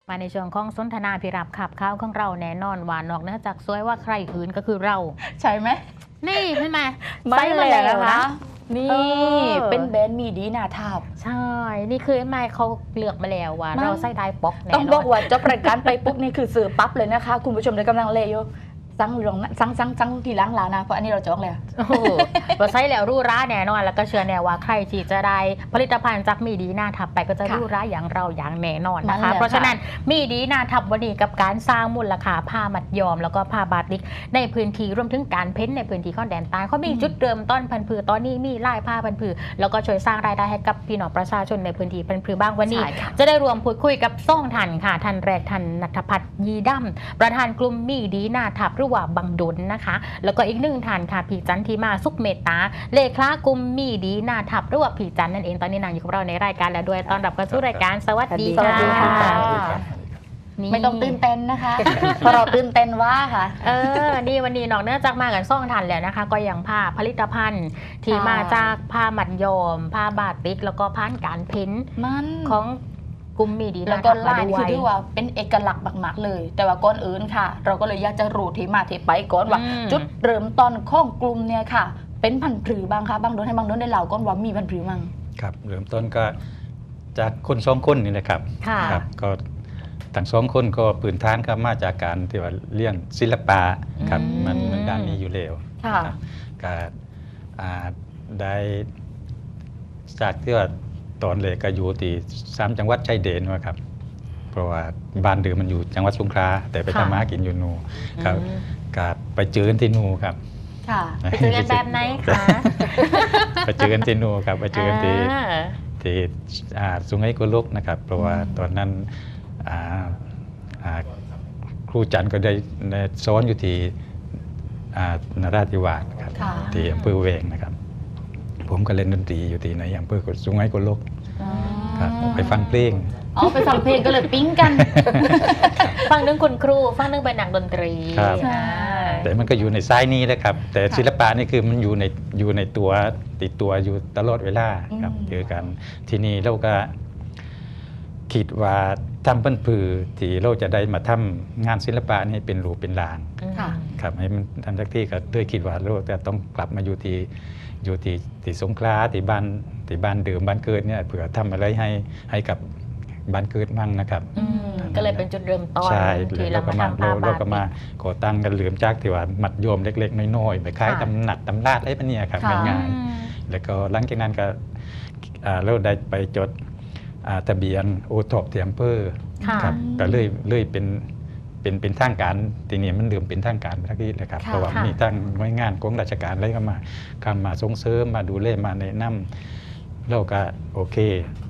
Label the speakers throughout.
Speaker 1: มาในช่วงของสนทนาพิรับขับข้าวของเราแน่นอนว่านอกเหนือจากสวยว่าใครอื่นก็คือเรา
Speaker 2: ใช่ไหม
Speaker 1: นี่ใช่ไหม
Speaker 2: ไม่เลยนะคะนี่
Speaker 1: เป็น
Speaker 2: แบรนด์มีดีนาทับ
Speaker 1: ใช่ นี่คือไม่เขาเลือกมาแล้วว่า
Speaker 2: มัน
Speaker 1: เราใส่ได้ป๊อกแน่นอน
Speaker 2: ต้องบอกว่าจบรายการไปปุ๊บนี่คือซื้อปั๊บเลยนะคะ คุณผู้ชมได้กำลังเลอยู่สั่งลงนะสั่งกี่ล้างแล้วนะเพราะอันนี้เราจองแล้ว
Speaker 1: โอ้โหว่าใส่แล้วรู้ร้าแน่นอนแล้วก็เชื่อแน่ว่าใครที่จะได้ผลิตภัณฑ์จากมีดีหน้าทับไปก็จะ
Speaker 2: ค่ะ
Speaker 1: รู้ร้าอย่างเราอย่างแน่นอนนะ
Speaker 2: นั่นแห
Speaker 1: คะ
Speaker 2: ละ
Speaker 1: เพราะฉะนั้น
Speaker 2: ค่ะ
Speaker 1: มีดีหน้าทับวันนี้กับการสร้างมูลค่าผ้ามัดยอมแล้วก็ผ้าบาติกในพื้นที่รวมถึงการเพ้นท์ในพื้นที่ข้อนแดนใต้เขามีจุดเริ่มต้นพันธุ์ผือตอนนี้มีลายผ้าพันธุ์ผือแล้วก็ช่วยสร้างรายได้ให้กับพี่น้องประชาชนในพื้นที่พันธุ์ผือบ้างวันนี้
Speaker 2: ใช่ค่ะ
Speaker 1: จะได้รวมพูดคุยกับซ่องทันค่ะทันแรกทันนัทพัฒน์ยีดั้มประธานกลุ่มมีดีหน้าทับหรือว่าบังดุลนะคะ แล้วก็อีกหนึ่งท่านค่ะพี่จันทีมาสุขเมตตาเลขากลุ่มมีดีหน้าทับหรือว่าพี่จันนั่นเองตอนนี้นางอยู่กับเราในรายการแล้วด้วยตอนรับเข้าสู่รายการสวัสดี
Speaker 2: สวัสดีค่ะ
Speaker 1: นี่
Speaker 2: ไม่ต้องตื่นเต้นนะคะ เพราะเราตื่นเต้นว่าค่ะ
Speaker 1: นี่วันนี้นอกเนื่องจากมากันซ่องทันแล้วนะคะ ก็ยังผ้าผลิตภัณฑ์ที่
Speaker 2: ค่ะ
Speaker 1: มาจากผ้ามัดยอม ผ้าบาติกแล้วก็ผ่านการเพ้นท์
Speaker 2: มัน
Speaker 1: ของกลุ่มมีดีห
Speaker 2: แล้ว
Speaker 1: น้า
Speaker 2: ก็
Speaker 1: ทับมา
Speaker 2: ลาย
Speaker 1: ด้ว
Speaker 2: คือย ที่ว่าเป็นเอกลักษณ์มากๆเลย แต่ว่าก่อนอื่นค่ะ เราก็เลยอยากจะรู้ที่มาที่ไปก่อนว่า จุดเริ่มต้นของกลุ่มเนี่ยค่ะ เป็นพันธุ์ผือบ้างคะบางโดนให้บางโดนได้เล่าก่อนว่ามีพันธุ์ผือมั่ง
Speaker 3: ครับเริ่มต้นก็จากคนสองคนนี่แหละครับ
Speaker 1: ค่ะ
Speaker 3: ครับก็ทั้งสองคนก็ปืนฐานก็มาจากการที่ว่าเรียนศิลปะครับมันด้านนี้อยู่แล้ว
Speaker 2: ค่ะ
Speaker 3: ครับก็ได้จากที่ว่าตอนเลยก็อยู่ที่3 จังหวัดชายแดนว่าครับเพราะว่าบ้านเดิมมันอยู่จังหวัดสงขลาแต่ไปทำมาหากินอยู่นูครับก็ไปเจอกันที่นูครับ
Speaker 2: ค่ะ
Speaker 1: ไปเจอกันแบบไหนคะ
Speaker 3: ไปเจอกันที่นูครับไปเจอกันที่
Speaker 1: อ่า
Speaker 3: ที่สุไหงโกลกนะครับ เพราะว่าตอนนั้นครูจันทร์ก็ได้สอนอยู่ที่นราธิวาสครับ
Speaker 2: ค่ะ
Speaker 3: ที่อำเภอเวงนะครับ ผมก็เล่นดนตรีอยู่ที่ในอำเภอสุไหงโกลกครับไปฟังเพลง
Speaker 2: อ๋อไปฟังเพลงก็เลยปิ๊งกัน
Speaker 1: ฟังเรื่องคุณครูฟังเรื่องเป็นนักดนตรี
Speaker 3: ครับ
Speaker 1: ใช่
Speaker 3: แต่มันก็อยู่ในซ้ายนี้นะครับ แต่ศิลปะนี่คือมันอยู่ในตัวติดตัวอยู่ตลอดเวลาครับ
Speaker 2: อืม
Speaker 3: เจอกันทีนี้เราก็คิดว่าทำเพิ่นผือที่เราจะได้มาทำงานศิลปะนี่เป็นรูปเป็นลาง
Speaker 2: ค่ะ
Speaker 3: ครับให้มันทันทักที่ก็ด้วยคิดว่าเราจะต้องกลับมาอยู่ที่สงขลาที่บ้านเดิมบ้านเกิดเนี่ยเผื่อทำอะไรให้กับบ้านเกิดมั่งนะครับ
Speaker 1: ก็เลยเป็นจุดเริ่มต้น
Speaker 3: ใช่
Speaker 1: ที่
Speaker 3: เรา
Speaker 1: เรา
Speaker 3: ก็
Speaker 1: มา
Speaker 3: มา
Speaker 1: ทำผ้า
Speaker 3: เรา
Speaker 1: บา
Speaker 3: ก็มา
Speaker 1: ติก
Speaker 3: ก่อตั้งกันเหลื่อมจากที่ว่ามัดโยมเล็กๆน้อยๆไปขาย
Speaker 1: ค่ะ
Speaker 3: ตำหนักตำราดอะไรพวกเนี้ยครับ
Speaker 2: ค่ะ
Speaker 3: ง่ายๆแล้วก็หลังจากนั้นก็เราได้ไปจดทะเบียนโอท็อปที่อำเภอ
Speaker 1: ค่ะ
Speaker 3: ครับก็เลยเป็นทางการทีนี้มันเริ่มเป็นทางการไปทักทีเลยครับ
Speaker 2: ค่ะ
Speaker 3: เพราะว่ามีทางหน่วยงานของราชการอะไรก็มาส่งเสริมมาดูแลมาแนะนำเราก็โอเค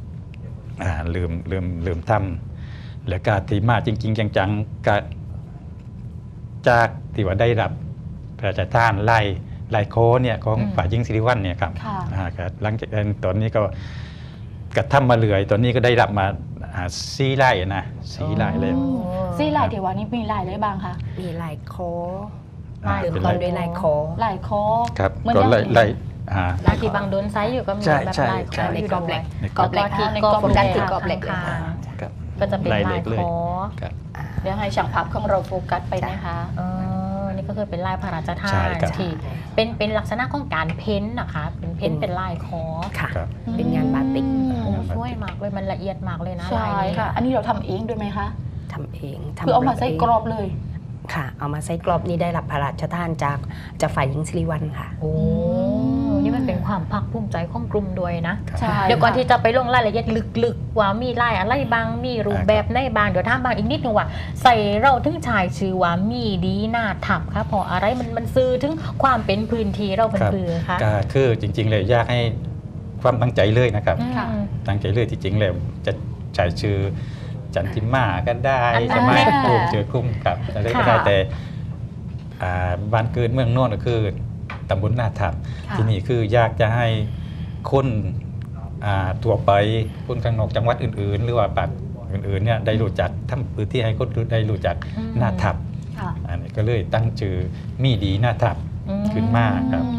Speaker 3: ลืมทำแล้วก็ที่มาจริงๆจังๆก็จากที่ว่าได้รับพระราชทานไล่โคเนี่ยของฝ่ายหญิงสิริวัลย์เนี่ยครับ
Speaker 2: ค่ะ
Speaker 3: ก็หลังจากนั้นตอนนี้ก็กระทำมาเรื่อยตอนนี้ก็ได้รับมา4 ไร่นะ4 ไร่แล้ว
Speaker 2: ซี่ลายเทวานี่มีลายอะไรบ้างคะ
Speaker 4: มีลายคอ
Speaker 1: ลาย
Speaker 4: เริ่ม
Speaker 3: เป็น
Speaker 4: ต้
Speaker 3: ไร่
Speaker 4: นด้วยลายคอ
Speaker 2: ลายคอ
Speaker 3: ครับ
Speaker 2: เหมือน
Speaker 3: ก็
Speaker 2: ยัง
Speaker 3: ไล่
Speaker 1: ลายที่บางโดนไซส์อยู่ก็มี
Speaker 3: ใช่
Speaker 1: แบบ
Speaker 3: ใช่
Speaker 1: ลาย
Speaker 3: ใช่
Speaker 1: คออยู่ด้วย
Speaker 3: ใน
Speaker 1: กรอบเหล็ก
Speaker 2: ใน
Speaker 1: ที่
Speaker 2: กรอบ
Speaker 1: โฟกัส
Speaker 2: เหล็ก
Speaker 1: ที่กรอบเหล็ก
Speaker 4: ค่ะ
Speaker 3: ครับ
Speaker 1: ก็จะเป็นลาย
Speaker 3: เล็กเลย
Speaker 1: คอ
Speaker 3: ครับ
Speaker 2: เดี๋ยวให้ช่างภาพของเราโฟกัสไปนะคะ
Speaker 1: นี่ก็คือเป็นลายพระราชทา
Speaker 3: ใช่
Speaker 1: น
Speaker 3: ครับ
Speaker 1: ที่เป็นลักษณะของการเพ้นท์นะคะเป็นเพ้นท์เป็นลายคอ
Speaker 4: ค่ะ
Speaker 3: ครับ
Speaker 4: เป็นงานบาติก
Speaker 1: โอ้ช่วยมากเลยมันละเอียดมากเลยนะ
Speaker 2: ใช่
Speaker 1: ลายนี้
Speaker 2: ค่ะ อันนี้เราทำเองด้วยไหมคะ
Speaker 4: ทำเอง
Speaker 2: คือเอามาใส่กรอบเลย
Speaker 4: ค่ะ เอามาใส่กรอบนี่ได้รับพระราชทานจากฝ่ายหญิงสิริวัลย์ค่ะ
Speaker 1: โอ้นี่มันเป็นความภาคภูมิใจของกลุ่มด้วยนะ
Speaker 2: ใช่
Speaker 1: เดี๋ยวก่อน
Speaker 2: ค่ะ
Speaker 1: ที่จะไปลงรายละเอียดลึกๆว่ามีลายอะไรบางมีรูปแบบไหนบางเดี๋ยวถามบางอีกนิดนึงว่าใส่เราถึงชายชื่อว่ามีดีหน้าทับค่ะเพราะอะไรมันซื้อถึงความเป็นพื้นที่เราเป็น
Speaker 3: ครับ
Speaker 1: พื้นค่ะ
Speaker 3: ก็คือจริงๆเลยอยากให้ความตั้งใจเลยนะครับ
Speaker 2: ค่ะ
Speaker 3: ตั้งใจเลยที่จริงแล้วจะใช้ชื่อจันทิมาก็ได้
Speaker 1: อันนั้น
Speaker 3: สมัย
Speaker 2: อ่า
Speaker 3: ปลูกเจอคุ้มครับอะไรก็
Speaker 1: ค่ะ
Speaker 3: ได้แต่บ้านเกิดเมืองโน่นก็คือตำบลนาทับ
Speaker 2: ค่ะ
Speaker 3: ที่นี่คืออยากจะให้คนทั่วไปคนข้างนอกจังหวัดอื่นๆ หรือว่าปากอื่นๆเนี่ยได้รู้จักทำพื้นที่ให้คนได้รู้จักนาทับ
Speaker 2: ค่ะ
Speaker 3: อันนี้ก็เลยตั้งชื่อมีดีนาทับ ขึ้นมาครับ
Speaker 2: อืม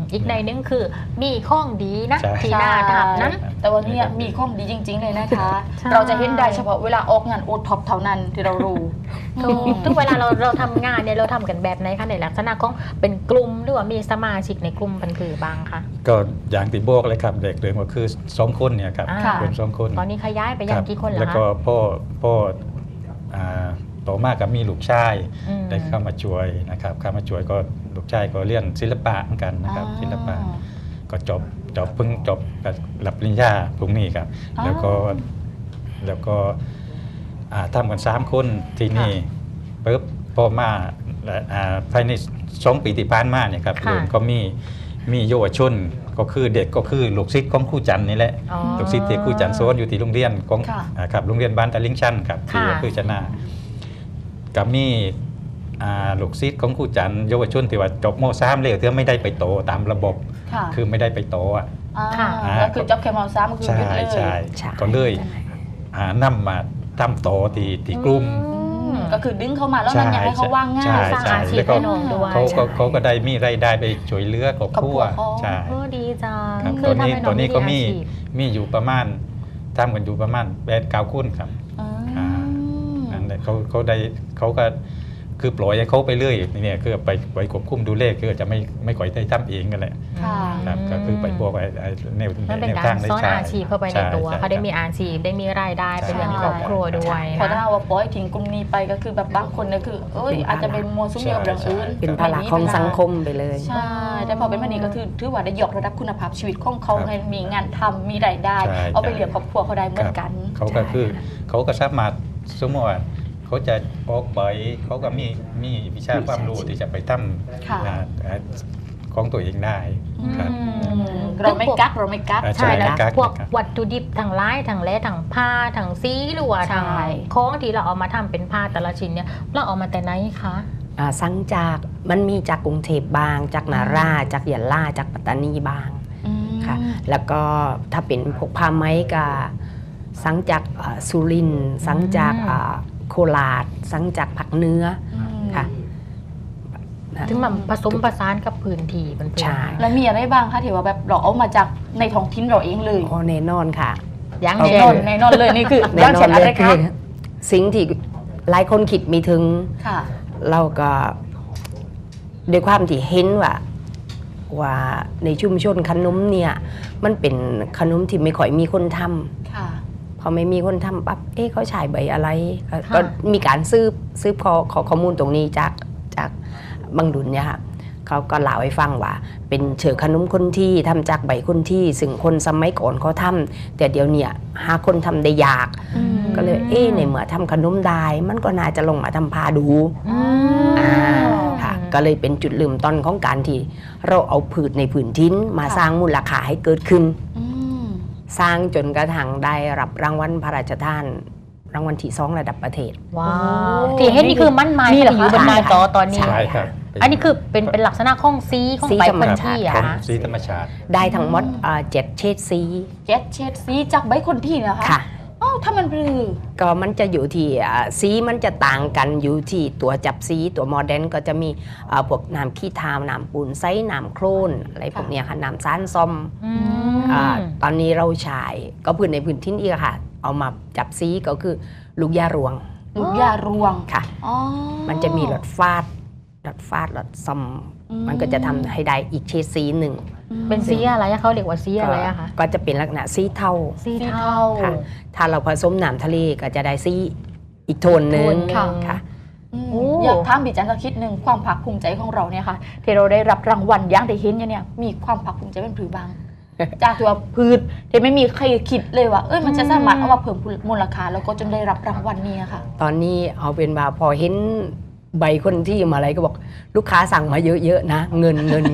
Speaker 1: อีกในนึงคือมีข้องดีนะ
Speaker 3: ใช่
Speaker 1: ที่น่าทำนะ
Speaker 2: แต่วันนี้มีข้อมดีจริง ๆ เลยนะคะ
Speaker 1: ใช่
Speaker 2: เราจะเห็นได้เฉพาะเวลาออกงานโอท็อปเท่านั้นที่เรารู้
Speaker 1: ทุกเวลาเราทำงานเนี่ยเราทำกันแบบไหนคะในลักษณะของเป็นกลุ่มหรือว่ามีสมาชิกในกลุ่มพันผือบางคะ
Speaker 3: ก็อย่างที่บอกเลยครับเด็กเดิมก็คือ2 คนเนี่ยครับ
Speaker 1: อ่า
Speaker 3: เป็น2 คน
Speaker 1: ตอนนี้ขยายไปยังกี่คนแล้
Speaker 3: แล้ว ว
Speaker 1: คะ
Speaker 3: ก็พ่อต่อมากับมีลูกชาย
Speaker 1: อืม
Speaker 3: ได้เข้ามาช่วยนะครับเข้ามาช่วยก็ลูกชายก็เรียนศิลปะเหมือนกันนะครับศิลปะก็เพิ่งจบรับปริญญาพรุ่งนี้ครับ
Speaker 2: อ๋อ
Speaker 3: แล้วก็ทำกัน3 คนที่นี่ปุ๊บพอมาภายใน2 ปีที่ผ่านมาเนี่ยครับ
Speaker 1: ค่ะ
Speaker 3: เริ่มก็มีเยาวชนก็คือเด็กก็คือลูกศิษย์ของครูจันทร์นี่แหละ
Speaker 1: อ๋อ
Speaker 3: ลูกศิษย์ที่ครูจันทร์สอนอยู่ที่โรงเรียนของ
Speaker 2: ค่ะ
Speaker 3: ครับโรงเรียนบ้านตะลิงชันครับที่
Speaker 1: ค่ะ
Speaker 3: อำเภอชนะกับมีลูกศิษย์ของครูจันทร์เยาวชนที่ว่าจบม.3เลยที่ไม่ได้ไปโตตามระบบ
Speaker 2: ค่ะ
Speaker 3: คือไม่ได้ไปโตอ่ะ
Speaker 1: ค่ะ
Speaker 2: แล้วคือจ็อบแคมอลซ้ำคือ
Speaker 3: ใช่
Speaker 2: หยุดเลย
Speaker 3: ใช่
Speaker 4: ใช่
Speaker 3: ก็เลยนำมาทำโตที่กลุ่ม
Speaker 2: ก็คือดึงเข้ามาแล้วมันยังให้เขาว่างง่าย
Speaker 3: ใช่
Speaker 1: สร้าง
Speaker 3: ใช่
Speaker 1: อาชีพ
Speaker 3: แล้วก็
Speaker 1: ให้น้องด้วย
Speaker 3: เขาก็ได้มีรายได้ไปช่วยเหลือครอบครัว
Speaker 2: ครอบครัวเขา
Speaker 3: ใช่
Speaker 1: ดีจัง
Speaker 3: ครับ
Speaker 1: คื
Speaker 3: ตัว
Speaker 1: ทำ
Speaker 3: นี้
Speaker 1: ให้
Speaker 3: ตัวนี้ก็มี
Speaker 1: อาชีพ
Speaker 3: อยู่ประมาณทำกันอยู่ประมาณ8-9 คนครับ
Speaker 2: อืม
Speaker 3: นั่นแหละเขาได้เขาก็คือปล่อยให้เขาไปเรื่อยเนี่ยคือไปควบคุมดูเลขคือจะไม่ค่อยได้ทำเองกันแหละ
Speaker 2: ค่ะ
Speaker 3: ครับก็คือไปพวกไอ้แนว
Speaker 1: มันเป็น
Speaker 3: แนว
Speaker 1: กา
Speaker 3: ทาร งได้
Speaker 1: ซ่อน
Speaker 3: ใช่
Speaker 1: อาชีพเข้าไปในตัว
Speaker 3: ใช่
Speaker 1: เขาได้มีอาชีพได้มีรายได้เป็นเรื่องครอบครัวด้วย
Speaker 2: พอ
Speaker 1: นะ
Speaker 2: ถ้าว่าปล่อยทิ้งกลุ่มนี้ไปก็คือแบบบางคนเนี่ยคืออาจจะเป็นมัวซุ่มเดียวอย่างอื่น
Speaker 4: เป็นภาระของสังคมไปเลย
Speaker 2: ใช่แต่พอเป็นแบบนี้ก็คือถือว่าได้ยกระดับคุณภาพชีวิตของเขา
Speaker 3: ครับ
Speaker 2: ให้มีงานทำมีรายได้
Speaker 3: ใช่
Speaker 2: เอาไปเลี้ยงครอบครัวเขาได้เหมือนกัน
Speaker 3: เขาก็คือเขาก็สามารถสมมติว่าเขาจะออกไปเขาก็มีวิชาความรู้ที่จะไปท
Speaker 2: ค่ะ
Speaker 3: ำของตัวเองได้ครับ
Speaker 2: เราไม่กัก
Speaker 1: ใช่แล้ว
Speaker 3: ใช่ครับ
Speaker 1: พวกวัตถุดิบทางไร้ทางแร่ทางผ้าทางซีหรือว่าทาง
Speaker 2: ใช่
Speaker 1: ของที่เราเอามาทำเป็นผ้าแต่ละชิ้นเนี่ยเราเอามาแต่ไหนคะ
Speaker 4: สั่งจากมันมีจากกรุงเทพบาง จากนาราจากยะลาจากปัตตานีบางค่ะแล้วก็ถ้าเป็นพวกผ้าไหมก็สั่งจากสุรินทร์สั่งจากโคราชสั่งจากภาคเหนือค่ะ
Speaker 1: ถึงมันผสมผสานกับพื้นที่มันเป็น
Speaker 4: ใช่
Speaker 2: แล้วมีอะไรบ้างคะที่ว่าแบบเราเอามาจากในท้องถิ่นเราเองเลย
Speaker 4: โอ้แน่นอนค่ะ
Speaker 1: อย่าง
Speaker 2: แน่
Speaker 1: เช่
Speaker 2: นอน
Speaker 1: น
Speaker 2: แน่นอนเลยนี่คือ
Speaker 4: แน่
Speaker 2: ย่าง
Speaker 4: นอ
Speaker 2: เช่
Speaker 4: น
Speaker 2: น
Speaker 4: เล
Speaker 2: อะไร
Speaker 4: ย
Speaker 2: คะ
Speaker 4: สิ่งที่หลายคนคิดไม่ถึง
Speaker 2: ค่ะ
Speaker 4: เราก็ด้วยความที่เห็นว่าในชุมชนขนมเนี่ยมันเป็นขนมที่ไม่ค่อยมีคนทำ
Speaker 2: ค่ะ
Speaker 4: พอไม่มีคนทำปั๊บเขาฉายใบอะไรก็มีการซื้อข้อมูลตรงนี้จากบางดุลเนี่ยค่ะเขาก็เล่าให้ฟังว่า เป็นเฉอขนมคนที่ทำจากใบคนที่ซึ่งคนสมัยก่อนเขาทำแต่เดี๋ยวเนี่ยหาคนทำได้ยาก ก็เลยในเมื่อทำขนมได้มันก็น่าจะลงมาทำพาดู
Speaker 1: อืม
Speaker 4: ค่ะก็เลยเป็นจุดเริ่มต้นของการที่เราเอาผืชในผืนทิ้นมาสร้างมูลค่าให้เกิดขึ้น สร้างจนกระทั่งได้รับรางวัลพระราชทานรางวัลที่2ระดับประเทศ
Speaker 1: ว้าว
Speaker 2: โอ้
Speaker 1: ที่เห็นนี่คือมั่นไม้
Speaker 2: นี่
Speaker 1: ที่
Speaker 2: เหรอ
Speaker 1: อยู่บน
Speaker 2: คะ
Speaker 1: หน้าจอตอนนี้
Speaker 3: ใช่ครับ
Speaker 1: อันนี้คือเป็นลักษณะของซีของ
Speaker 4: สี
Speaker 1: ใบ
Speaker 4: ธรรม
Speaker 1: พัน
Speaker 4: ชาติ
Speaker 1: ที่อะ
Speaker 3: ของ
Speaker 1: คะ
Speaker 3: สีธรรมชาติ
Speaker 4: ได้ทั้งหมด7 เฉดสี
Speaker 2: เจ็ดเฉดสีจากใบคนที่นะคะ
Speaker 4: ค่ะ
Speaker 2: อ้าวถ้ามันปลือ
Speaker 4: ก็มันจะอยู่ที่สีมันจะต่างกันอยู่ที่ตัวจับสีตัวโมเดร์นก็จะมีพวกน้ำขี้ทาวน้ำปูนไซน้ำโครนอะไรพวกเนี้ยค่ะน้ำซ่านซอม
Speaker 1: อืม
Speaker 4: ตอนนี้เราใช้ก็พื้นในพื้นที่อีกค่ะ เอามาจับสีก็คือลูกยารวง
Speaker 2: ลูกยารวง
Speaker 4: ค่ะ
Speaker 2: อ๋อ
Speaker 4: มันจะมีหลอดฟาดหลอดซอม มันก็จะทำให้ได้อีกเฉดสีหนึ่ง
Speaker 1: เป็นซีอะไรอะเขาเรียกว่าซีอะไรอะคะ
Speaker 4: ก็จะเป็นลักษณะสีเทา
Speaker 1: ซี
Speaker 2: สี
Speaker 1: เทา
Speaker 2: เทา
Speaker 4: ค่ะ ถ้าเราผสมน้ำทะเลก็จะได้สีอีกโทนหนึ่ง
Speaker 1: โทนหนึ่ง
Speaker 4: ค่ะ
Speaker 1: โอ้
Speaker 2: อยากถามพี่จันสักคิดหนึ่งความภาคภูมิใจของเราเนี่ยค่ะที่เราได้รับรางวัลอย่างได้เห็นเนี่ยมีความภาคภูมิใจเป็นผือบาง จากตัวพืชที่ไม่มีใครคิดเลยว่ามันจะสามารถเอามาเพิ่มมูลค่าแล้วก็จนได้รับรางวัลนี้ค่ะ
Speaker 4: ตอนนี้เอาเป็นว่าพอเห็นใบคนที่มาอะไรก็บอกลูกค้าสั่งมาเยอะๆนะเงิน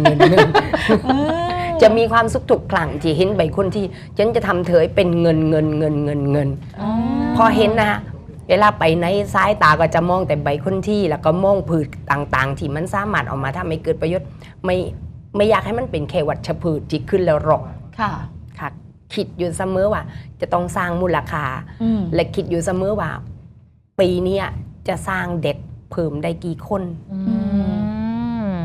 Speaker 4: จะมีความสุขทุกครั้งที่เห็นใบคนที่ฉันจะทำเธอให้เป็นเงิน พอเห็นนะเวลาไปในซ้ายตาก็จะมองแต่ใบคนที่แล้วก็มองพืชต่างๆ ที่มันสามารถออกมาทำให้เกิดประโยชน์ไม่อยากให้มันเป็นแค่วัชพืชที่ขึ้นแล้วหรอก
Speaker 2: ค่ะ
Speaker 4: ค่ะคิดอยู่เสมอว่าจะต้องสร้างมูลค่า และคิดอยู่เสมอว่าปีนี้จะสร้างเด็กเพิ่มได้กี่คน
Speaker 1: อืม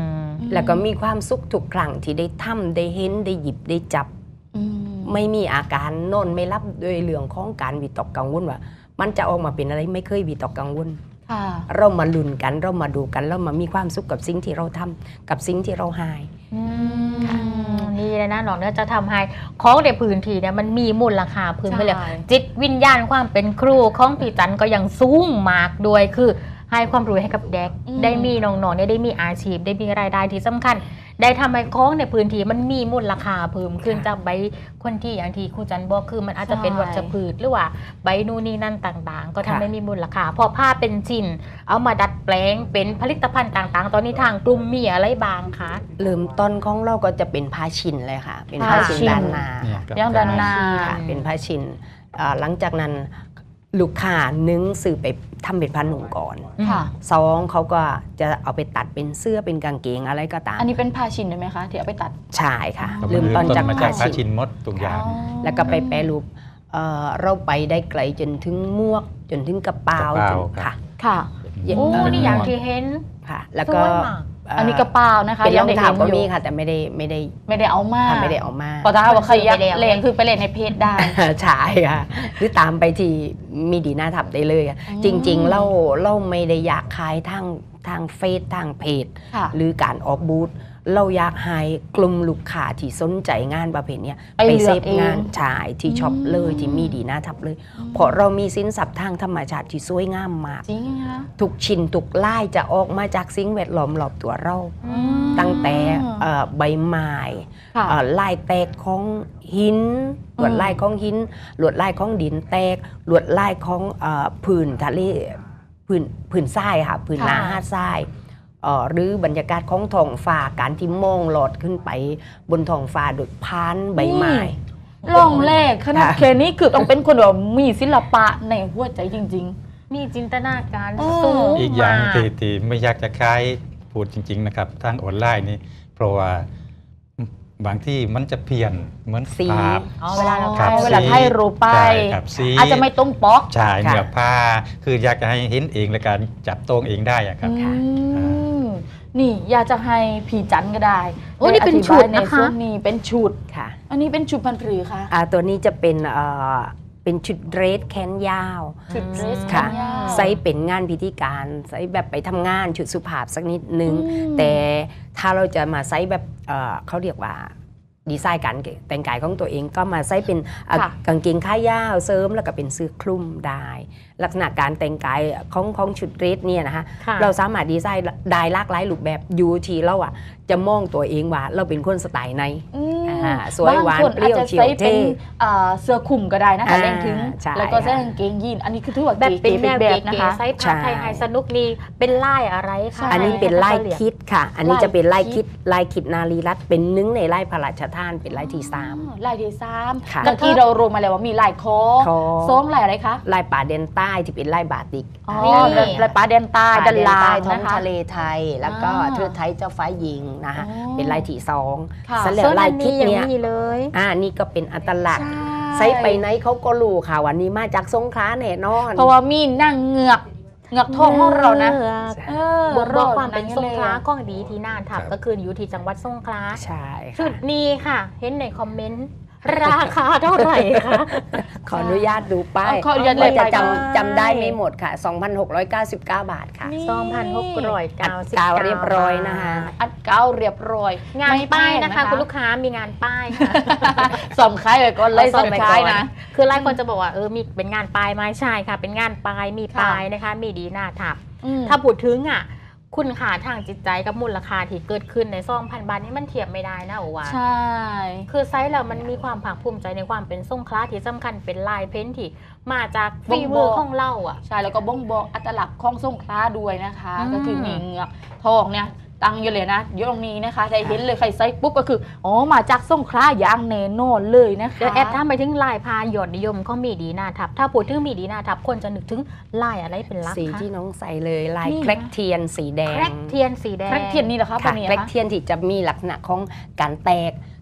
Speaker 4: แล้วก็มีความสุขทุกครั้งที่ได้ทำได้เห็นได้หยิบได้จับ
Speaker 2: อืม
Speaker 4: ไม่มีอาการนอนไม่รับโดยเรื่องของการวิตกกังวลว่ามันจะออกมาเป็นอะไรไม่เคยวิตกกังวล
Speaker 2: ค่ะ
Speaker 4: เรามาลุ้นกันเรามาดูกันเรามามีความสุขกับสิ่งที่เราทำกับสิ่งที่เราหาย
Speaker 1: นี่เลยนะน้องเนี่ยจะทำให้ของในพื้นที่เนี่ยมันมีมูลค่าพื้นไปเลย
Speaker 2: ใช่
Speaker 1: จิตวิญญาณความเป็นครูของพี่จันก็ยังสูงมากด้วยคือให้ความรู้ให้กับเด็ก ได้มีน้องๆเนี่ยได้มีอาชีพได้มีรายได้ที่สำคัญ ได้ทำให้ของในพื้นที่มันมีมูลค่าเพิ่มขึ้นจากใบคนที่อย่างที่ครูจันบอกคือมันอาจจะเป็นวัชพืชหรือว่าใบนู่นนี่นั่นต่างๆ ก็ทำให้มีมูลค่าพอผ้าเป็นชิ้นเอามาดัดแปลงเป็นผลิตภัณฑ์ต่างๆ ตอนนี้ทางกลุ่มมีอะไรบ้างคะ
Speaker 4: เริ่มต้นของเราก็จะเป็นผ้าชินเลยค่ะ เป็นผ้าชิน
Speaker 2: ผ้าชิน
Speaker 4: ด้านหน้า
Speaker 3: เนี่ย
Speaker 4: ค่ะ
Speaker 2: ย่างด้านหน้า
Speaker 4: ค่ะเป็นผ้าชินหลังจากนั้นลูกค้านึ่งสื่อไปทำเป็นผ้าหนุ่มก่อน
Speaker 2: ค่ะ
Speaker 4: สองเขาก็จะเอาไปตัดเป็นเสื้อเป็นกางเกงอะไรก็ตาม
Speaker 2: อันนี้เป็นผ้าชินได้ไหมคะที่เอาไปตัด
Speaker 4: ใช่ค่ะ
Speaker 2: อ๋อ
Speaker 4: เริ่มต้นจาก
Speaker 3: มา
Speaker 4: ผ้า
Speaker 3: จากผ้า
Speaker 4: ชิ
Speaker 3: ชิ
Speaker 4: น
Speaker 3: นมดทุกอย่าง
Speaker 4: แล้วก็ไปแปรรูปเราไปได้ไกลจนถึงหมวกจนถึงกระเป๋าก
Speaker 3: ระเป๋า
Speaker 4: จน
Speaker 3: ครับ
Speaker 4: ค่ะ
Speaker 2: ค่ะ
Speaker 1: โอ้นี่อย่างที่เห็น
Speaker 4: ค่ะ แล้วก็
Speaker 1: สวยมาก
Speaker 2: อันนี้กระเป๋านะคะ
Speaker 4: เป็นรองเท้าก็
Speaker 2: ยังได้
Speaker 4: มี
Speaker 2: เห็นอยู่
Speaker 4: ค่ะ แต่ไม่ได้
Speaker 2: ไม่ได้เอามา
Speaker 4: ค่ะไม่ได้เอามา
Speaker 2: พอถ้าว่าใครอยาก
Speaker 1: ไปแล้ว
Speaker 2: เล่นคือไปเล่นในเพจได้
Speaker 4: ใช่ค่ะหรือตามไปที่มีดีน่าทับได้เลยค่ะ
Speaker 2: อืม
Speaker 4: จริงๆเราไม่ได้อยากขายทางเฟซทางเพจ
Speaker 2: ค่ะ
Speaker 4: หรือการออกบูธเราอยากให้กลุ่มลูกค้าที่สนใจงานประเภทเนี้ย
Speaker 2: ไปเลื
Speaker 4: เซ
Speaker 2: อก
Speaker 4: ฟ
Speaker 2: เอง
Speaker 4: งานชายที่ช็อปเลย
Speaker 2: อืม
Speaker 4: ที่มีดีน่าทับเลย เพราะเรามีสินทรัพย์ทางธรรมชาติที่สวยงามมาก
Speaker 2: จริงคะ
Speaker 4: ทุกชิ้นทุกลายจะออกมาจากสิ่งแวดล้อมรอบตัวเรา ตั้งแต่ใบไม้
Speaker 2: ค่ะ
Speaker 4: ลายแตกของหินลวดลายของหินลวดลายของดินแตกลวดลายของผืนทะเลผืนทรายค่ะผืนนา
Speaker 2: ค่ะ
Speaker 4: หาดทรายหรือบรรยากาศของท้องฟ้าการที่มองหลอดขึ้นไปบนท้องฟ้าโดยพานใบไม้
Speaker 2: ลองแรกขนาด
Speaker 4: ค่ะ
Speaker 2: แค่นี้คือต้องเป็นคนแบบมีศิลปะในหัวใจจริง
Speaker 1: มีจินตนาการ
Speaker 2: โอ้
Speaker 1: สูง
Speaker 3: อีกอย่าง
Speaker 1: มาก
Speaker 3: ที่ไม่อยากจะขายพูดจริง ๆ นะครับทางออนไลน์นี่เพราะว่าบางที่มันจะเพี้ยนเหมือน
Speaker 4: สี
Speaker 3: ภาพ
Speaker 1: อ๋อเวลาเรา
Speaker 3: ครับ
Speaker 2: เวลาถ่ายรูปไป
Speaker 3: ใช่ครับสี
Speaker 2: ๆ อาจจะไม่ตรงปอก
Speaker 3: ใช่
Speaker 4: ค่ะ
Speaker 3: เนื้อผ้าคืออยากจะให้เห็นเองและการจับต้องเองได้อะครับ
Speaker 2: อืมนี่อยากจะให้ผีจันก็ได้
Speaker 1: โอ้นี่เป็น
Speaker 2: ได้อธิ
Speaker 1: ชุ
Speaker 2: บา
Speaker 1: ด
Speaker 2: ยใน
Speaker 1: นะคะ
Speaker 2: ส่วนนี้เป็นชุด
Speaker 4: ค่ะ
Speaker 2: อันนี้เป็นชุดพันปรือค่ะ
Speaker 4: ตัวนี้จะเป็นชุดเดรสแขนยาว
Speaker 2: ชุดเดรส
Speaker 4: ค่ะ
Speaker 2: แขนยาว
Speaker 4: ใส่เป็นงานพิธีการใส่แบบไปทำงานชุดสุภาพสักนิดนึง
Speaker 2: อืม
Speaker 4: แต่ถ้าเราจะมาใส่แบบเขาเรียกว่าดีไซน์การแต่งกายของตัวเองก็มาใส่เป็นกางเกงขายาวเสริมแล้วก็เป็นเสื้อคลุมได้ ลักษณะการแต่งกายของชุดเดรสเนี่ยนะคะ
Speaker 1: ค่ะ
Speaker 4: เราสามารถดีไซน์ได้หลากหลายรูปแบบอยู่ที่เราอ่ะจะมองตัวเองว่าเราเป็นคนสไตล์ไหน
Speaker 2: อืม
Speaker 4: สวยหวาน
Speaker 2: บงค
Speaker 4: เปรี้ยว
Speaker 2: อาจจะ
Speaker 4: เฉียว
Speaker 2: ใส่เป็น
Speaker 4: เท่
Speaker 2: เสื้อคลุมก็ได้นะคะเล่นถึง
Speaker 4: ใช่
Speaker 2: แล้วก็ใส่กางเกงยีนอันนี้คือถือว่า
Speaker 1: แบบเป็นแนว
Speaker 2: แบ
Speaker 1: เก๋
Speaker 2: บนะ
Speaker 1: ๆ
Speaker 2: คะ
Speaker 1: ไซส์ผ้าไทยไฮสนุกนี่เป็นลายอะไรคะ
Speaker 2: ใช่
Speaker 4: อันนี้เป็นลายคิดค่ะ อันนี้
Speaker 2: ลาย
Speaker 4: จะเป็นลาย
Speaker 2: คิ
Speaker 4: คิ
Speaker 2: ด
Speaker 4: ดลายคิดนารีรัตน์เป็นหนึ่งในลายพระราชทานเป็นลายที่
Speaker 2: ลายที่สาม
Speaker 4: ค่ะ
Speaker 2: เมื่อกี้เรารู้มาแล้วว่ามีลายคอ
Speaker 4: คอ
Speaker 2: ซ้องลายอะไรคะ
Speaker 4: ลายป่าเดนใต้ที่เป็นลายบาติก
Speaker 2: อ๋อ
Speaker 1: นี่
Speaker 2: ลายปลาแดนใต้
Speaker 4: ป่า
Speaker 2: ด้าน
Speaker 4: เดน
Speaker 2: ล่า
Speaker 4: ใต้
Speaker 2: ง
Speaker 4: ท้อง
Speaker 2: นะคะ
Speaker 4: ทะเลไทย แล้วก็
Speaker 2: อ่า
Speaker 4: เทือกไทยเจ้าฟ้าหญิงนะคะ
Speaker 2: อ๋อ
Speaker 4: เป็นลายที่สอง
Speaker 2: ค่ะ
Speaker 4: สำหรับ
Speaker 1: ส่วน
Speaker 4: ลา
Speaker 1: อั
Speaker 4: ย
Speaker 1: น
Speaker 4: คิ
Speaker 1: นี้
Speaker 4: ด
Speaker 1: ยัง
Speaker 4: เนี่ย
Speaker 1: ไม่มีเลย
Speaker 4: นี่ก็เป็นอัตลักษณ์
Speaker 2: ใช่
Speaker 4: ใส่ไปไหนเขาก็รู้ค่ะวันนี้มาจากสงขลาแน่นอน
Speaker 2: เพราะว่ามีนั่งเหงือกทองของเรานะเออ
Speaker 1: บอกความเป็น
Speaker 2: ร
Speaker 1: ส
Speaker 2: อด
Speaker 1: งขลาก้องดีที่น่านทับ
Speaker 3: ครับ
Speaker 1: ก็คืออยู่ที่จังหวัดสงขลา
Speaker 4: ใช่
Speaker 1: ชุ
Speaker 4: ค่ะ
Speaker 1: ดนี้ค่ะ เห็นในคอมเมนต์ ราคาเท่าไหร่คะ
Speaker 4: ขออนุญาตดูป้าย
Speaker 2: ขออนุญาต
Speaker 4: ว่าจะ
Speaker 2: เลย
Speaker 4: จำได้ไม่หมดค่ะ 2,699 บาทค่ะ
Speaker 2: นี่
Speaker 1: 2,699
Speaker 4: อัดกาวเรียบร้อยนะคะ
Speaker 2: อัดเก้าเรียบร้อย
Speaker 1: งาน
Speaker 2: ไม่แพ
Speaker 1: ป้าย
Speaker 2: ง
Speaker 1: นะคะ คุณลูกค้ามีงานป้ายค่ะ
Speaker 2: สอมคล้ายไว้ก่อนเลยสอมคล้ายนะ
Speaker 1: คือหลายคนจะบอกว่ามีเป็นงานป้ายไหมใช่ค่ะ เป็นงานป้ายมี
Speaker 2: ค่ะ
Speaker 1: ป้ายนะคะ มีดีหน้าทับ
Speaker 2: อืม
Speaker 1: ถ้าพูดถึงคุณค่าทางจิตใจกับมูลค่าที่เกิดขึ้นใน2,000 บาทนี่มันเทียบไม่ได้นะโอวา
Speaker 2: ใช่
Speaker 1: คือไซส์เรามันมีความภาคภูมิใจในความเป็นสงขลาที่สำคัญเป็นลายเพ้นท์ที่มาจากฝีมือของเราอ่ะ
Speaker 2: ใช่แล้วก็บ่งบอกอัตลักษณ์ของสงขลาด้วยนะคะ
Speaker 1: อืม
Speaker 2: ก็คือมีเหงือกทองเนี่ยตั้งอยู่เลยนะอยู่ตรงนี้นะคะได้เห็นเลยใครใส่ปุ๊บก็คืออ๋อมาจากสงขลาอย่างแน่นอนเลยนะคะ
Speaker 1: เดี๋ยวแอดถ้าไปถึงลายพายอดนิยมเขามีดีหน้าทับ ถ้าพูดถึงมีดีหน้าทับคนจะนึกถึงลายอะไรเป็นหลัก
Speaker 4: สี
Speaker 1: คะ
Speaker 4: ที่น้องใส่เลยลาย
Speaker 2: นี่
Speaker 4: แครกเทียนสีแด
Speaker 1: แครง กเทียนสีแดง
Speaker 2: แครกเทียนนี่เหรอคะ
Speaker 4: ค่ะ
Speaker 2: ปะเนี่ย
Speaker 4: แครก
Speaker 2: คะ
Speaker 4: เทียนที่จะมีลักษณะของการแตก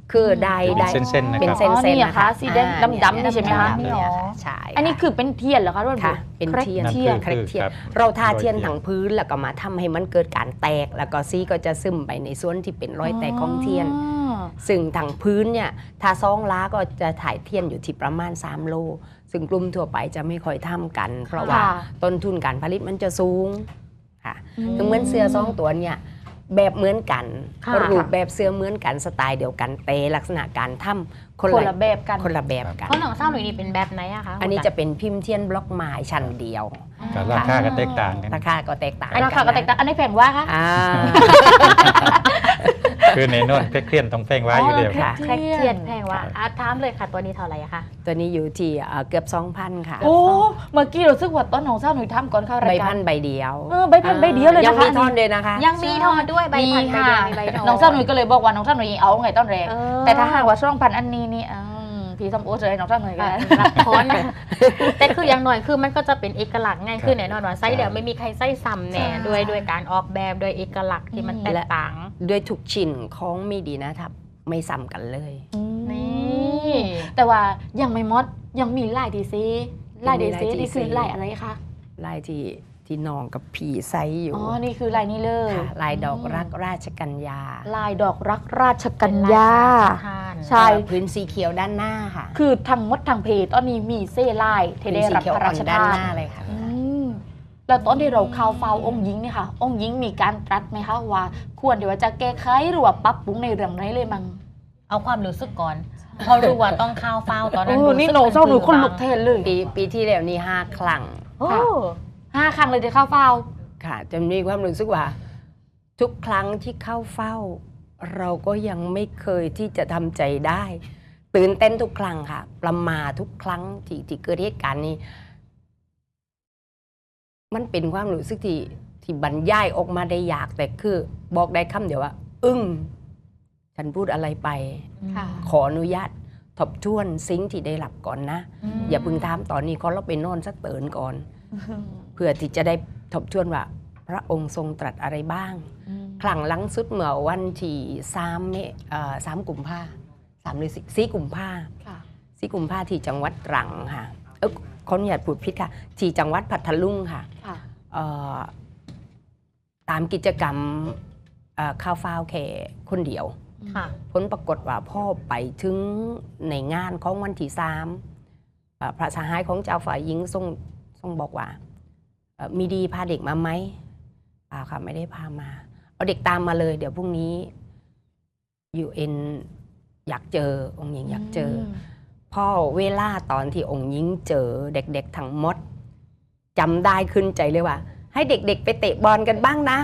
Speaker 4: คือได้
Speaker 3: เป็นเส้นๆนะ
Speaker 4: เป็น
Speaker 3: ครับ
Speaker 4: เส้น
Speaker 2: อ๋อนี่
Speaker 4: ๆ
Speaker 2: เหรอ
Speaker 4: นะ
Speaker 2: คะ
Speaker 4: คะ
Speaker 2: สีแดงดำๆนี่ใช่ไหมคะ
Speaker 4: ดำๆเนี่ยค่ะใช่
Speaker 2: อันนี้คือเป็นเทียนเหรอคะทุกคน
Speaker 4: ค่ะเป็นเทียน
Speaker 3: นั่น
Speaker 2: เทียน
Speaker 3: คือ
Speaker 4: เทียน
Speaker 3: ครับ
Speaker 4: เราทาเทียน
Speaker 3: โดย
Speaker 4: ทั้งพื้นแล้วก็มาทำให้มันเกิดการแตก แล้วก็สีก็จะซึมไปในส่วนที่เป็นรอยแตกของเทียน ซึ่งทางพื้นเนี่ยถ้าซองล้าก็จะถ่ายเทียนอยู่ที่ประมาณ3 โล ซึ่งกลุ่มทั่วไปจะไม่ค่อยทำกัน เพราะว่า
Speaker 2: ค่ะ
Speaker 4: ต้นทุนการผลิตมันจะสูงค่ะ
Speaker 2: อืม
Speaker 4: ถึงเหมือนเสื้อซองตัวเนี่ยแบบเหมือนกัน
Speaker 1: ค่ะ
Speaker 4: รูปแบบเสื้อเหมือนกันสไตล์เดียวกันแต่ลักษณะการทำ
Speaker 2: คนละแบบกัน
Speaker 4: คนละแบบกัน
Speaker 1: เพราะหนังเศร้าหนุ่ยนี่เป็นแบบไหนอะคะ
Speaker 4: อันนี้จะเป็นพิมพ์เทียนบล็อกไม้ชั้นเดียว
Speaker 3: กับราคาก็แตกต่างกัน
Speaker 4: ราคาก็แตกต่าง
Speaker 2: อันนี้ค่ะก็แตกต่างอันนี้แพงว่าคะ
Speaker 4: อ่า
Speaker 3: คือในโนนเครียดต้องแพงไว้อยู่เดียว
Speaker 4: ค่ะ
Speaker 1: แครกเทียนแพงว่าถามเลยค่ะตัวนี้เท่าไหร่อะคะ
Speaker 4: ตัวนี้อยู่ที่เกือบ 2,000 ค่ะ
Speaker 2: โอ้เมื่อกี้เราซึกว่าต้นของเศร้าหนุ่ยทำก่อนเข้าราย
Speaker 4: ใบ
Speaker 2: การ
Speaker 4: พันใบเดียว
Speaker 2: ใบพันใบเดียวเลย
Speaker 4: ยัง
Speaker 2: นะคะ
Speaker 4: มีท่อนเลยนะคะ
Speaker 1: ยังมีทอนด้วยใบพันใบ
Speaker 2: ค่ะ
Speaker 1: เดียวมีใบทอน
Speaker 2: น้องเศร้าหนุ่ยก็เลยบอกว่าน้องเศร้าหนุ่ยเอาไงต้นแรก
Speaker 1: เออ
Speaker 2: แต่ถ้าหากว่าช่องพันอันนี้นี่พี่สมโอจะให้น้องเศร้าหนุ่ยกัน
Speaker 1: รับทอนนะแต่คืออย่างหน่อยคือมันก็จะเป็นเอกลักษณ์ไงคือแน่นอนว่าไส้เดียวไม่มีใครไส้ซ้ำแน่
Speaker 2: ใช่
Speaker 1: ด้วยการออกแบบด้วยเอกลักษณ์ที่มันแตกต่าง
Speaker 4: ด้วยทุกชิ้นของมีดีนะครับไม่ซ้ำกันเลย
Speaker 1: นี่
Speaker 2: แต่ว่ายังไม่หมดยังมีลายดีซีลายดีซี
Speaker 4: ยังมีลาย
Speaker 2: นี่คือ
Speaker 4: DC
Speaker 2: ลายอะไรคะ
Speaker 4: ลายที่น้องกับผีไซอยู่
Speaker 2: อ๋อนี่คือลายนี้เลย
Speaker 4: ค่ะลายดอกรักราชกัญญา
Speaker 2: ลายดอกรักราชกัญญา ใช่
Speaker 4: พื้นสีเขียวด้านหน้าค่ะ
Speaker 2: คือทั้งหมดทั้งเพจตอนนี้มีเซ่ลายที่
Speaker 4: พื้น
Speaker 2: ได้
Speaker 4: สี
Speaker 2: รับ
Speaker 4: เขียว
Speaker 2: พระ
Speaker 4: อ่
Speaker 2: รา
Speaker 4: อน
Speaker 2: ช
Speaker 4: ด้าน
Speaker 2: ทาน
Speaker 4: หน้าเลยค่ะ
Speaker 2: อืมแล้วตอนที่เราข่าวเฝ้าองค์หญิงเนี่ยค่ะ องค์หญิงมีการตรัสไหมคะว่า ควรเดี๋ยวว่าจะแก้ไขหรือว่าปรับปรุงในเรื่องไหนเลยมั้ง
Speaker 1: เอาความรู้สึกก่อน พอรู้ว่าต้องข้าวเฝ้าตอนนั้น
Speaker 2: นี่หนูเศร้าหนูคนลุกแทนเลย
Speaker 4: ปีที่แล้วนี่5 ครั้ง
Speaker 1: โอ้
Speaker 2: 5 ครั้งเลยที่เข้าเฝ้า
Speaker 4: ค่ะจะมีความรู้สึกว่า ทุกครั้งที่เข้าเฝ้า เราก็ยังไม่เคยที่จะทำใจได้ ตื่นเต้นทุกครั้งค่ะ ประมาททุกครั้งที่เกิดเหตุการณ์นี้ มันเป็นความรู้สึกที่บรรยายออกมาได้ยาก แต่คือบอกได้คำเดียวว่า อึ้งฉันพูดอะไรไป
Speaker 2: ค่ะ
Speaker 4: ขออนุญาตทบทวนสิ่งที่ได้รับก่อนนะ อย่าเพึ่งถามตอนนี้ขอเราไปนอนสักเตือนก่อน เพื่อที่จะได้ทบทวนว่า พระองค์ทรงตรัสอะไรบ้าง ครั้งหลังสุดเมื่อวันที่3 กุมภา3 หรือ 4 กุมภา
Speaker 2: ค่ะ
Speaker 4: 4 กุมภาที่จังหวัดตรังค่ะขออนุญาตพูดผิดค่ะ ที่จังหวัดพัทลุงค่ะ
Speaker 2: ค่ะ
Speaker 4: ตามกิจกรรมข้าวฟ้าวแค่คนเดียว
Speaker 1: ค่ะ
Speaker 4: ผลปรากฏว่าพ่อไปถึงในงานของวันที่3พระสหายของเจ้าฝ่ายหญิงทรงบอกว่ามีดีพาเด็กมาไหมค่ะไม่ได้พามาเอาเด็กตามมาเลยเดี๋ยวพรุ่งนี้ UN อยากเจอองค์หญิงอยากเจอพ่อเวลาตอนที่องค์หญิงเจอเด็กๆทั้งหมดจำได้ขึ้นใจเลยว่า ให้เด็กๆไปเตะบอลกันบ้างนะ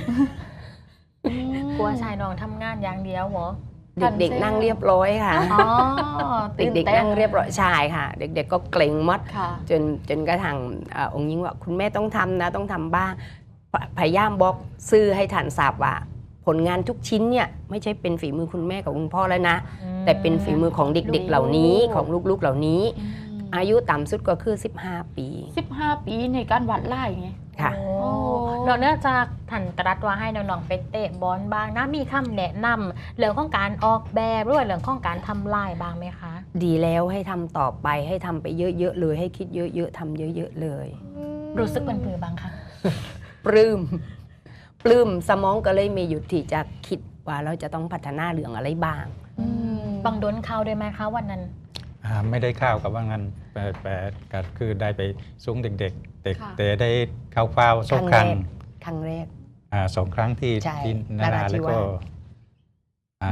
Speaker 1: กลัวชายน้องทำงานอย่างเดียวเหรอ
Speaker 4: เด็กๆนั่งเรียบร้อยค่ะ
Speaker 1: อ๋อ
Speaker 4: เด็กๆนั่งเรียบร้อยใช่ค่ะ เด็กๆก็เกรงมัด
Speaker 2: ค่ะ
Speaker 4: จนกระทั่งองค์หญิงว่าคุณแม่ต้องทำนะต้องทำบ้างพยายามบอกซื่อให้ฐานทราบว่า ผลงานทุกชิ้นเนี่ยไม่ใช่เป็นฝีมือคุณแม่กับคุณพ่อแล้วนะ แต่เป็นฝีมือของเด็กๆเหล่านี้ของลูกๆเหล่านี้ อายุต่ำสุดก็คือ15 ปี
Speaker 2: 15 ปีในการวัดไล่ไง
Speaker 4: ค่ะ
Speaker 1: โอ้เนื่องจากท่านตรัสว่าให้น้องๆไปเตะบอลบ้างนะมีคำแนะนำเรื่องของการออกแบบหรือว่าเรื่องของการทำลายบ้างไหมคะ
Speaker 4: ดีแล้วให้ทำต่อไปให้ทำไปเยอะๆเลยให้คิดเยอะๆทำเยอะๆเลย
Speaker 1: รู้สึกเป็นผือบ้างคะ
Speaker 4: ปลื้มสมองก็เลยมีอยู่ที่จะคิดว่าเราจะต้องพัฒนาเรื่องอะไรบ้าง
Speaker 1: บางโดนเข้าได้ไหมคะวันนั้น
Speaker 3: ไม่ได้ข้าวกับว่างั้นแต่ก็คือได้ไปซุ้งเด็กๆแต่ได้เข้าเฝ้าสองครั้ง
Speaker 4: ครั้งแรก
Speaker 3: 2 ครั้งที่
Speaker 4: ใช่
Speaker 3: ที่นารา
Speaker 4: นราธิ
Speaker 3: แล้วก็
Speaker 4: วาส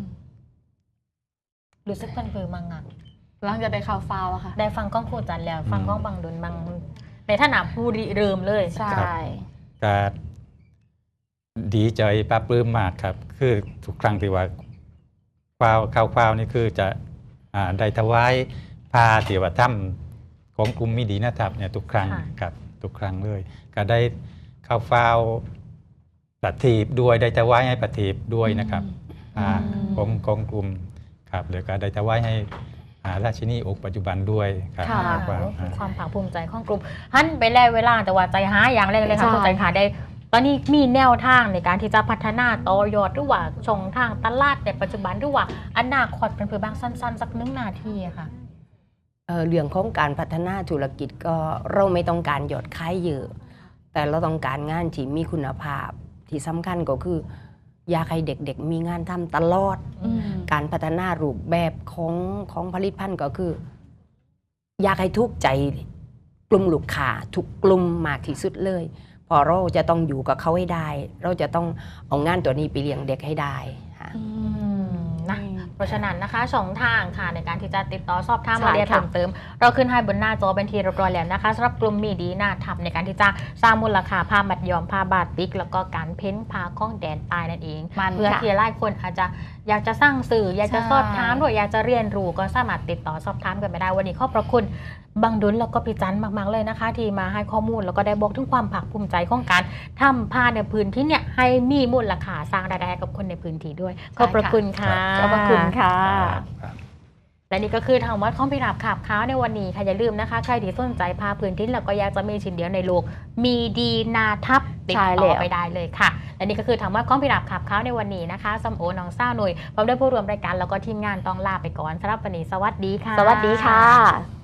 Speaker 1: รู้สึกเป็นผือมังอะ
Speaker 2: หลังจากได้ข่าวฟาวอะค่ะ
Speaker 1: ได้ฟังก้องครูจันแล้ว ฟังก้องบางโดนบางในท่านาผู้ริเริ่มเลย
Speaker 2: ใช่
Speaker 3: ก็ดีใจปลาปลื้มมากครับ คือทุกครั้งที่ว่าข้าวเฝ้านี่คือจะได้ถวายผ้าที่ว่าถ้ำของกลุ่มมิดีนะครับเนี่ยทุกครั้งครับทุกครั้งเลย ก็ได้ข้าวเฝ้าปฏิบด้วยได้ถวายให้ปฏิบด้วยนะครับของกลุ่มครับแล้วก็ได้ถวายให้ราชินีองค์ปัจจุบันด้วยครับ
Speaker 2: ค่ะ
Speaker 3: ข้าวเฝ้า
Speaker 1: ความภาคภูมิใจของกลุ่มหันไปแล้วเวลาแต่ว่าใจหาอย่างแรกเลยค่ะ
Speaker 2: ใช่
Speaker 1: เข้าใจค่ะได้ตอนนี้มีแนวทางในการที่จะพัฒนาต่อยอดหรือว่าช่องทางตลาดในปัจจุบันหรือว่าอนาคตเป็นเพื่อบางสั้นๆสัก1 นาทีอะค่ะ
Speaker 4: เรื่องของการพัฒนาธุรกิจก็เราไม่ต้องการยอดขายเยอะ แต่เราต้องการงานที่มีคุณภาพที่สำคัญก็คืออยากให้เด็กๆมีงานทำตลอด การพัฒนารูปแบบของผลิตภัณฑ์ก็คือ อยากให้ทุกใจกลุ่มลูกค้าทุกกลุ่มมากที่สุดเลยพอเราจะต้องอยู่กับเขาให้ได้ เราจะต้องเอางานตัวนี้ไปเลี้ยงเด็กให้ได้ค่ะ
Speaker 1: นะเพราะฉะนั้นนะคะช่องทางค่ะในการที่จะติดต่อสอบถาม
Speaker 2: ใช่
Speaker 1: รายละเอียด
Speaker 2: ค่ะ
Speaker 1: เพิ่มเติม เราขึ้นให้บนหน้าจอเป็นทีเรียบร้อยแล้วนะคะสำหรับกลุ่มมีดีหน้าทับในการที่จะสร้างมูลค่าผ้ามัดย้อมผ้าบาติกแล้วก็การเพ้นผ้าข้องแดนใตายนั่นเอง
Speaker 2: มัน
Speaker 1: เพื่อ
Speaker 2: ค่ะ
Speaker 1: ที่หลายคนอาจจะอยากจะสร้างสื่ออยากจะ
Speaker 2: ใช่
Speaker 1: สอบถามหรืออยากจะเรียนรู้ก็สามารถติดต่อสอบถามกันไปได้วันนี้ขอบพระคุณบังดุลแล้วก็พี่จันมากๆเลยนะคะ ที่มาให้ข้อมูลแล้วก็ได้บอกถึงความภาคภูมิใจของการทำผ้าในพื้นที่เนี่ยให้มีมูลค่าสร้างรายได้ให้กับคนในพื้นที่ด้วยขอบพระคุณค่ะ
Speaker 2: ขอบพระคุณค่ะ
Speaker 3: ครับ
Speaker 1: และนี่ก็คือทางวัดข้องพิราบขาบค้าวในวันนี้ค่ะอย่าลืมนะคะใครที่สนใจผ้าพื้นที่แล้วก็อยากจะมีชิ้นเดียวในโลกมีดีนาทับติด
Speaker 2: ใช่
Speaker 1: ต่อ
Speaker 2: แล้ว
Speaker 1: ไปได้เลยค่ะและนี่ก็คือทางวัดข้องพิราบขาบค้าวในวันนี้นะคะสมโอน้องซ่าหน่วยพร้อมด้วยผู้ร่วมรายการแล้วก็ทีมงานต้องลาไปก่อนสำหรับวันนี้สวัสดีค่ะ
Speaker 2: สวัสดีค่ะ